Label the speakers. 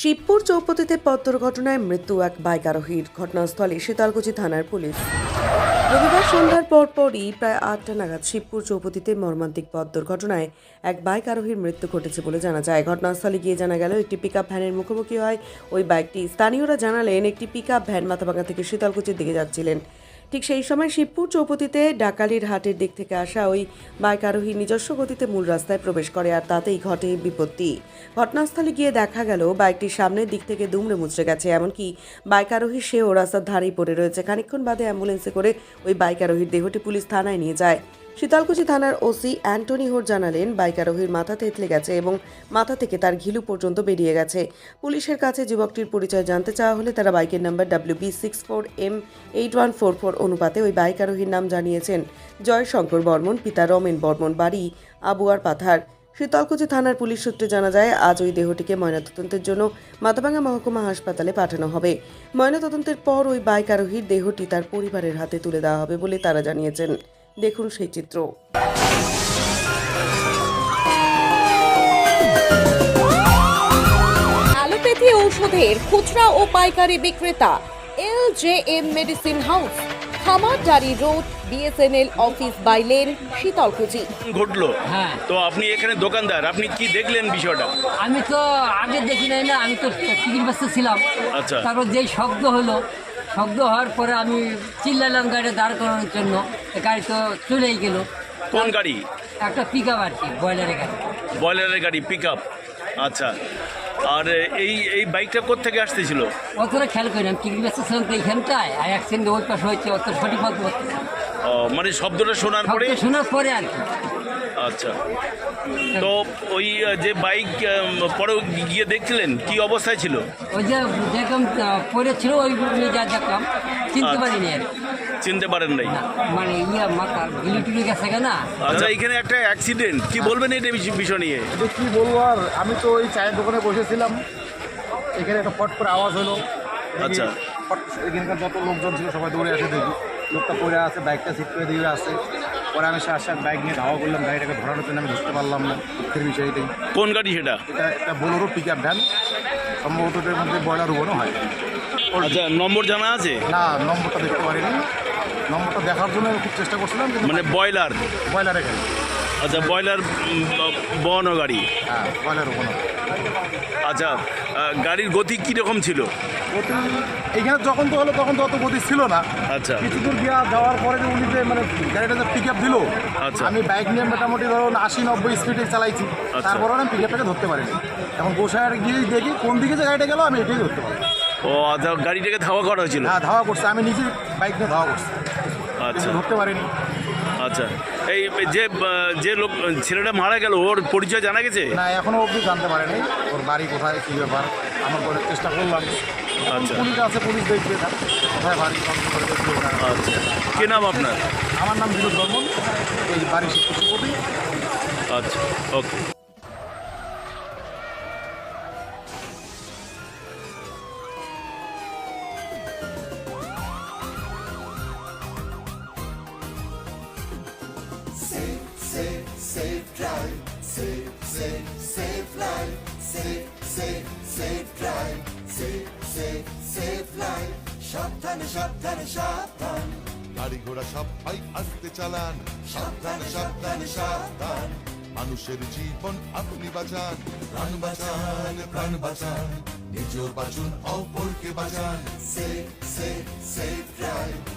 Speaker 1: শিবপুর চৌপতিতে পথ দুর্ঘটনায় মৃত্যু এক বাইক আরোহীর। ঘটনাস্থলে শীতলকুচি থানার পুলিশ। রবিবার সন্ধ্যার পরপরই প্রায় ৮টা নাগাদ শিবপুর চৌপতিতে মর্মান্তিক পথ দুর্ঘটনায় এক বাইক আরোহীর মৃত্যু ঘটেছে বলে জানা যায়। ঘটনাস্থলে গিয়ে জানা গেল একটি পিকআপ ভ্যানের মুখোমুখি হয় ওই বাইকটি। স্থানীয়রা জানালেন একটি পিকআপ ভ্যান মাথাভাঙা থেকে শীতলকুচির দিকে যাচ্ছিলেন। ঠিক সেই সময় শিবপুর চৌপতিতে ডাকালির হাটের দিক থেকে আসা ওই বাইক আরোহী নিজস্ব গতিতে মূল রাস্তায় প্রবেশ করে, আর তাতেই ঘটে বিপত্তি। ঘটনাস্থলে গিয়ে দেখা গেল বাইকটির সামনের দিক থেকে দুমড়ে মুচড়ে গেছে, এমনকি বাইক আরোহী সেও রাস্তার ধারেই পড়ে রয়েছে। খানিকক্ষণ বাদে অ্যাম্বুলেন্সে করে ওই বাইক আরোহীর দেহটি পুলিশ থানায় নিয়ে যায়। শীতলকুচি থানার ওসি অ্যান্টনি হোর জানালেন, বাইক আরোহীর মাথা থেতলে গেছে এবং মাথা থেকে তার ঘিলু পর্যন্ত বেরিয়ে গেছে। পুলিশের কাছে যুবকটির পরিচয় জানতে চাওয়া হলে তারা বাইকের নাম্বার WB64M8144 অনুপাতে ওই বাইক আরোহীর নাম জানিয়েছেন জয় শঙ্কর বর্মন, পিতা রমেন বর্মন, বাড়ি আবুয়ার পাথার। শীতলকুচি থানার পুলিশ সূত্রে জানা যায়, আজ ওই দেহটিকে ময়নাতদন্তের জন্য মাথাভাঙা মহকুমা হাসপাতালে পাঠানো হবে। ময়নাতদন্তের পর ওই বাইক আরোহীর দেহটি তার পরিবারের হাতে তুলে দেওয়া হবে বলে তারা জানিয়েছেন। দেখুন সেই চিত্র।
Speaker 2: অ্যালোপ্যাথি ঔষধের খুচরা ও পাইকারি বিক্রেতা LJM medicine house, Khamardari road, BSNL office by lane, Sitalkuchi.
Speaker 3: ঘটলো।
Speaker 4: হ্যাঁ,
Speaker 3: তো আপনি এখানে দোকানদার, আপনি কি দেখলেন বিষয়টা?
Speaker 4: আমি তো আগে দেখি নাই না, আমি তো টিকিট ব্যস্ত ছিলাম।
Speaker 3: আচ্ছা।
Speaker 4: তারপর যেই শব্দ হলো, শব্দ হওয়ার পরে আমি চিল্লালাম গাড়ি দাঁড় করানোর জন্য। গাড়ি তো চলেই গেল।
Speaker 3: কোন গাড়ি?
Speaker 4: একটা পিক আপ আর কি, বয়লারের গাড়ি।
Speaker 3: বয়লারের গাড়ি, পিক আপ। আচ্ছা। আর এই বাইকটা কোত্থেকে আসতেছিল?
Speaker 4: অতটা খেয়াল করি না, টিকিট ব্যস্ত ছিলাম তো এইখানটায়। আর অ্যাক্সিডেন্ট ওই পাশে হয়েছে, অত সঠিক বলতে পারছি না।
Speaker 3: মানে শব্দটা শোনার পরে?
Speaker 4: শোনার পরে আর কি।
Speaker 3: আচ্ছা। তো ওই যে বাইক পরে গিয়ে দেখছিলেন কি অবস্থায় ছিল?
Speaker 4: ওই যে দেখলাম পড়েছিল, ওই যা দেখলাম চিনতে পারিনি আর কি।
Speaker 3: চিনতে পারেন নাই?
Speaker 4: মানে মাথার গিলি টুলি গেছে না।
Speaker 3: আচ্ছা, এখানে একটা অ্যাক্সিডেন্ট, কি বলবেন এটা বিষয় নিয়ে?
Speaker 5: এটা কী বলবো আর, আমি তো ওই চায়ের দোকানে বসেছিলাম, এখানে একটা ফট করে আওয়াজ হলো।
Speaker 3: আচ্ছা।
Speaker 5: ফট, এখানকার যত লোকজন ছিল সবাই দৌড়ে আসে, দেখি লোকটা পড়ে আছে, বাইকটা সিট করে দিয়ে আছে। পরে আমি আসার বাইক নিয়ে ধাওয়া করলাম, গাড়িটাকে ধরানোর জন্য আমি ধরতে পারলাম না। দুঃখের বিষয়টাই।
Speaker 3: কোন গাড়ি সেটা?
Speaker 5: এটা একটা বোলেরো পিক আপ ভ্যান, সম্ভবত এর মধ্যে বয়লার উবনও হয়।
Speaker 3: আচ্ছা, নম্বর জানা আছে?
Speaker 5: না, নম্বরটা দেখতে পারিনি। নম্বরটা দেখার জন্য খুব চেষ্টা করছিলাম, কিন্তু
Speaker 3: মানে বয়লার?
Speaker 5: বয়লারে গাড়ি।
Speaker 3: আচ্ছা, বয়লার বহন গাড়ি।
Speaker 5: হ্যাঁ, বয়লার উবনও।
Speaker 3: আচ্ছা, গাড়ির গতি কীরকম ছিল?
Speaker 5: গতি এইখানে যখন তো হলো তখন তো অত গতি ছিল না।
Speaker 3: আচ্ছা।
Speaker 5: কিছু দূর গিয়া যাওয়ার পরে যে উনি যে মানে গাড়িটা যে পিক আপ দিল,
Speaker 3: আচ্ছা।
Speaker 5: আমি বাইক নিয়ে মোটামুটি ধরুন 80-90 স্পিডে চালাইছি।
Speaker 3: আচ্ছা।
Speaker 5: তারপরে আমি পিক আপটাকে ধরতে পারিনি। এখন গোসাইয়ার গিয়ে দেখি কোন দিকে যে গাড়িটা গেল, আমি এটাই ধরতে পারি।
Speaker 3: ও আচ্ছা, গাড়িটাকে ধাওয়া করা হয়েছিল?
Speaker 5: হ্যাঁ, ধাওয়া করছে, আমি নিজে বাইক নিয়ে ধাওয়া করছি,
Speaker 3: আচ্ছা।
Speaker 5: কিন্তু ধরতে পারিনি।
Speaker 3: আচ্ছা, এই যে লোক ছেলেটা মারা গেল, ওর পরিচয় জানা গেছে?
Speaker 5: না, এখনও অবধি জানতে পারিনি ওর বাড়ি কোথায়, কী ব্যাপার। আমার করে চেষ্টা করলাম।
Speaker 3: আচ্ছা।
Speaker 5: পুলিশ আছে, পুলিশ দেখবে না কোথায় বাড়ি, করে দেখবে ওরা।
Speaker 3: আচ্ছা, কে নাম আপনার?
Speaker 5: আমার নাম বিনোদ বর্মন, এই বাড়ি শিক্ষকপতি।
Speaker 3: আচ্ছা, ওকে।
Speaker 6: Safe drive, safe life, safe drive, safe life. সাবধানে সাবধানে সাবধান,
Speaker 7: গাড়ি ঘোড়া সবাই আস্তে চালান,
Speaker 6: সাবধানে সাবধানে সাবধান।
Speaker 7: মানুষের জীবন আপনি বাঁচান,
Speaker 6: প্রাণ বাঁচান, প্রাণ বাঁচান,
Speaker 7: নিজেও বাঁচুন, অপরকে বাঁচান।
Speaker 6: safe drive.